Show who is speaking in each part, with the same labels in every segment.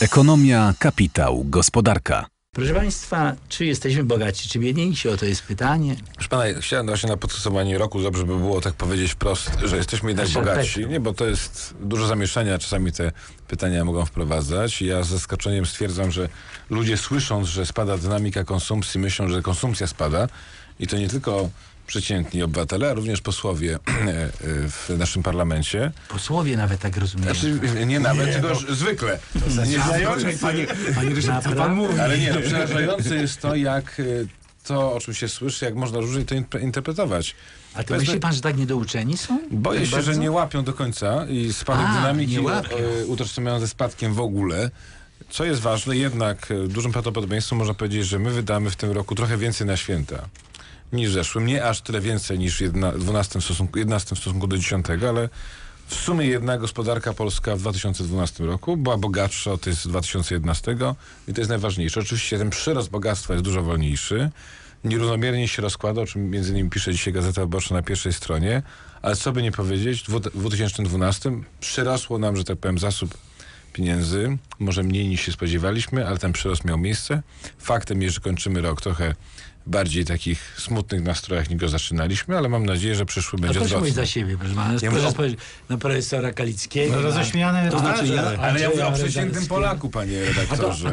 Speaker 1: Ekonomia, kapitał, gospodarka.
Speaker 2: Proszę Państwa, czy jesteśmy bogaci, czy biedniejsi? O to jest pytanie.
Speaker 3: Proszę pana, chciałem właśnie na podsumowanie roku, dobrze by było tak powiedzieć wprost, że jesteśmy jednak bogaci. Nie, bo to jest dużo zamieszania, czasami te pytania mogą wprowadzać. Ja z zaskoczeniem stwierdzam, że ludzie słysząc, że spada dynamika konsumpcji, myślą, że konsumpcja spada. I to nie tylko przeciętni obywatele, a również posłowie w naszym parlamencie.
Speaker 2: Posłowie nawet tak rozumieją.
Speaker 3: Znaczy, nie nawet, tylko zwykle.
Speaker 2: Panie Ryszard, co pan mówi?
Speaker 3: Ale nie, przerażające jest to, jak to, o czym się słyszy, jak można różnie to interpretować.
Speaker 2: A to myśli pan, że tak niedouczeni są?
Speaker 3: Boję się, że nie łapią do końca i spadek dynamiki utożsamiają ze spadkiem w ogóle. Co jest ważne, jednak dużym prawdopodobieństwem można powiedzieć, że my wydamy w tym roku trochę więcej na święta niż w zeszłym. Nie aż tyle więcej niż 11 w stosunku do 10, ale w sumie jednak gospodarka polska w 2012 roku była bogatsza od tej z 2011 i to jest najważniejsze. Oczywiście ten przyrost bogactwa jest dużo wolniejszy. Nierównomiernie się rozkłada, o czym między innymi pisze dzisiaj Gazeta Wyborcza na pierwszej stronie, ale co by nie powiedzieć, w 2012 przyrosło nam, że tak powiem, zasób pieniędzy, może mniej niż się spodziewaliśmy, ale ten przyrost miał miejsce. Faktem jest, że kończymy rok trochę bardziej takich smutnych nastrojach, niż go zaczynaliśmy, ale mam nadzieję, że przyszły będzie
Speaker 2: odwrotny.
Speaker 3: odwrotny.
Speaker 2: Proszę za siebie, proszę pana. Proszę spojrzeć na profesora Kalickiego.
Speaker 4: No, roześmiany
Speaker 2: to znaczy
Speaker 3: ale ja mówię o przeciętnym Polaku, panie redaktorze.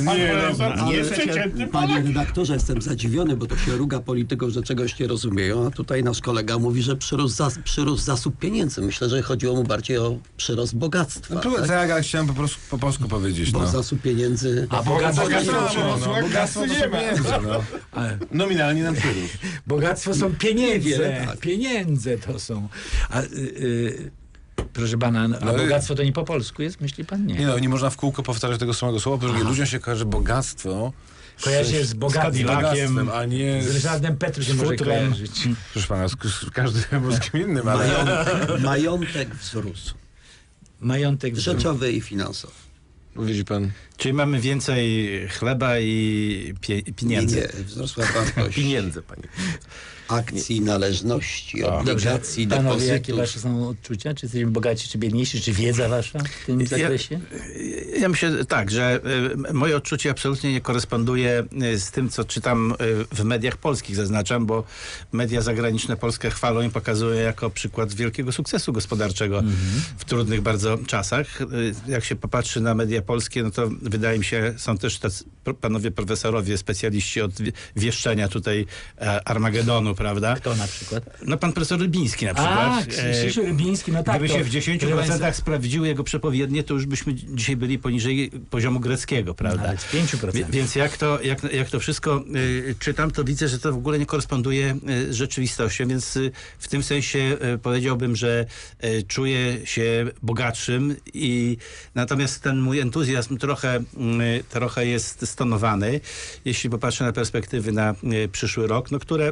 Speaker 5: Panie redaktorze, jestem zadziwiony, bo to się ruga polityków, że czegoś nie rozumieją, a tutaj nasz kolega mówi, że przyrósł zasób pieniędzy. Myślę, że chodziło mu bardziej o przyrost bogactwa.
Speaker 3: No, tak, ale chciałem po polsku powiedzieć.
Speaker 5: Bo zasób pieniędzy...
Speaker 2: A bogactwo
Speaker 3: to są pieniądze, no. Nominalnie nam przyrósł.
Speaker 2: Bogactwo są pieniądze. Pieniądze to są. A, proszę pana, a bogactwo to nie po polsku jest? Myśli pan? Nie.
Speaker 3: Nie no, nie można w kółko powtarzać tego samego słowa, bo ludziom się kojarzy bogactwo.
Speaker 2: Kojarzy się z
Speaker 3: bogactwem, a nie
Speaker 2: z Ryszardem Petru się może kojarzyć.
Speaker 3: Proszę pana, z każdym polskim innym, ale...
Speaker 5: Majątek wzrósł.
Speaker 2: Majątek wzrósł.
Speaker 5: Rzeczowy i finansowy.
Speaker 3: Widzi pan?
Speaker 4: Czyli mamy więcej chleba i pieniędzy.
Speaker 5: Nie, wzrosła wartość
Speaker 4: pieniędzy, panie.
Speaker 5: Akcji, należności, obligacji,
Speaker 2: panowie,
Speaker 5: depozytów.
Speaker 2: jakie wasze są odczucia? Czy jesteśmy bogaci, czy biedniejsi? Czy wiedza wasza w tym zakresie?
Speaker 4: Ja myślę tak, że moje odczucie absolutnie nie koresponduje z tym, co czytam w mediach polskich, zaznaczam, bo media zagraniczne Polskę chwalą i pokazują jako przykład wielkiego sukcesu gospodarczego w trudnych bardzo czasach. Jak się popatrzy na media polskie, no to wydaje mi się, są też tacy panowie profesorowie, specjaliści od wieszczenia tutaj Armagedonu, prawda?
Speaker 2: Kto na przykład?
Speaker 4: No pan profesor Rybiński na przykład.
Speaker 2: Krzysiu Rybiński, no tak.
Speaker 4: Gdyby się w 10% sprawdziły jego przepowiednie, to już byśmy dzisiaj byli poniżej poziomu greckiego, prawda?
Speaker 2: Nawet w 5%.
Speaker 4: Więc jak to wszystko czytam, to widzę, że to w ogóle nie koresponduje z rzeczywistością, więc w tym sensie powiedziałbym, że czuję się bogatszym i natomiast ten mój entuzjazm trochę jest stonowany, jeśli popatrzę na perspektywy na przyszły rok, no które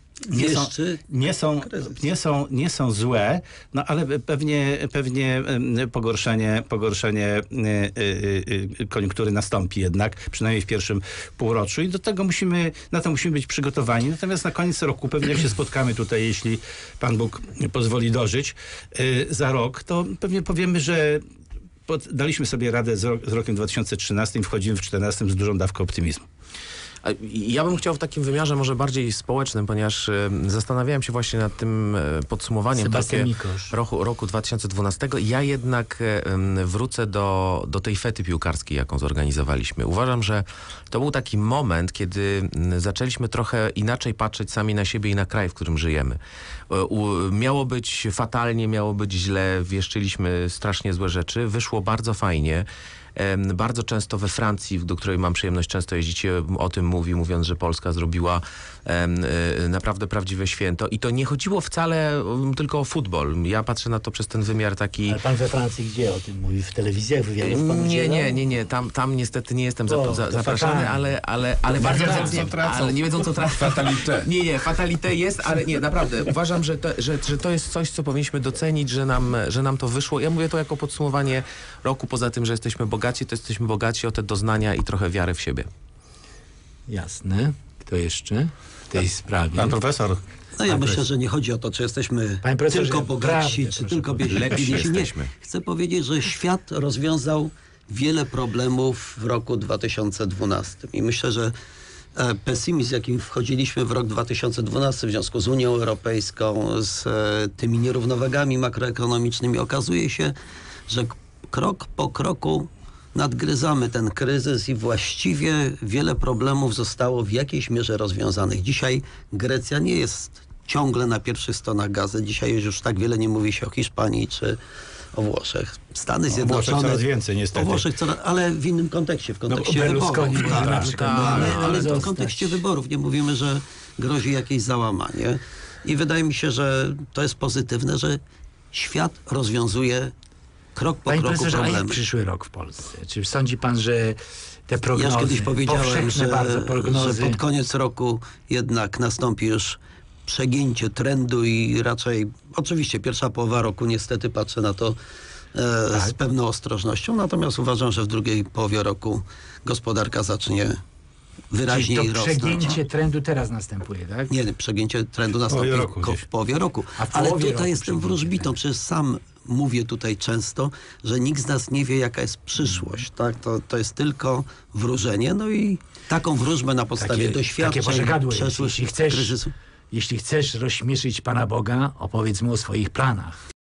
Speaker 4: nie są złe, no ale pewnie pogorszenie koniunktury nastąpi jednak, przynajmniej w pierwszym półroczu i na to musimy być przygotowani. Natomiast na koniec roku, pewnie jak się spotkamy tutaj, jeśli Pan Bóg pozwoli dożyć, za rok, to pewnie powiemy, że daliśmy sobie radę z rokiem 2013 i wchodzimy w 2014 z dużą dawką optymizmu.
Speaker 6: Ja bym chciał w takim wymiarze może społecznym, ponieważ zastanawiałem się właśnie nad tym podsumowaniem roku 2012. Ja jednak wrócę do tej fety piłkarskiej, jaką zorganizowaliśmy. Uważam, że to był taki moment, kiedy zaczęliśmy trochę inaczej patrzeć sami na siebie i na kraj, w którym żyjemy. Miało być fatalnie, miało być źle, wieszczyliśmy strasznie złe rzeczy. Wyszło bardzo fajnie. Bardzo często we Francji, do której mam przyjemność często jeździć, o tym mówiąc, że Polska zrobiła naprawdę prawdziwe święto. I to nie chodziło wcale tylko o futbol. Ja patrzę na to przez ten wymiar taki...
Speaker 2: Ale pan we Francji gdzie o tym mówi? W telewizjach, wywiadów pan udziela?
Speaker 6: Nie. Tam niestety nie jestem zapraszany, ale bardzo chętnie. Ale nie wiedzą, co tracą.
Speaker 3: Fatalité.
Speaker 6: Nie, fatalité jest, ale nie, naprawdę. Uważam, że to jest coś, co powinniśmy docenić, że nam to wyszło. Ja mówię to jako podsumowanie roku, poza tym, że jesteśmy bogaci, to jesteśmy bogaci o te doznania i trochę wiary w siebie.
Speaker 2: Jasne. Kto jeszcze w tej sprawie?
Speaker 4: Pan profesor.
Speaker 5: No ja myślę, że nie chodzi o to, czy jesteśmy tylko bogatsi, czy tylko biedniejsi.
Speaker 6: Lepsi jesteśmy.
Speaker 5: Chcę powiedzieć, że świat rozwiązał wiele problemów w roku 2012. I myślę, że pesymizm, z jakim wchodziliśmy w rok 2012 w związku z Unią Europejską, z tymi nierównowagami makroekonomicznymi, okazuje się, że krok po kroku nadgryzamy ten kryzys i właściwie wiele problemów zostało w jakiejś mierze rozwiązanych. Dzisiaj Grecja nie jest ciągle na pierwszych stronach gazet. Dzisiaj już tak wiele nie mówi się o Hiszpanii czy o Włoszech. Stany Zjednoczone...
Speaker 4: O Włoszech coraz więcej, niestety.
Speaker 5: O Włoszech ale w innym kontekście, w kontekście wyborów. Ale w kontekście wyborów. Nie mówimy, że grozi jakieś załamanie. I wydaje mi się, że to jest pozytywne, że świat rozwiązuje krok po kroku problemy.
Speaker 2: A jak przyszły rok w Polsce? Czy sądzi pan, że te prognozy,
Speaker 5: ja kiedyś powiedziałem, że
Speaker 2: prognozy...
Speaker 5: pod koniec roku jednak nastąpi już przegięcie trendu i raczej, oczywiście pierwsza połowa roku niestety patrzę na to z pewną ostrożnością, natomiast uważam, że w drugiej połowie roku gospodarka zacznie wyraźniej rosnąć.
Speaker 2: Przegięcie trendu teraz następuje, tak?
Speaker 5: Nie, przegięcie trendu nastąpi w połowie roku. Ale tutaj jestem wróżbitą, przecież sam mówię tutaj często, że nikt z nas nie wie, jaka jest przyszłość. Tak? To jest tylko wróżenie, no i taką wróżbę na podstawie doświadczeń, przeszłych kryzysów.
Speaker 2: Jeśli chcesz rozśmieszyć Pana Boga, opowiedz mu o swoich planach.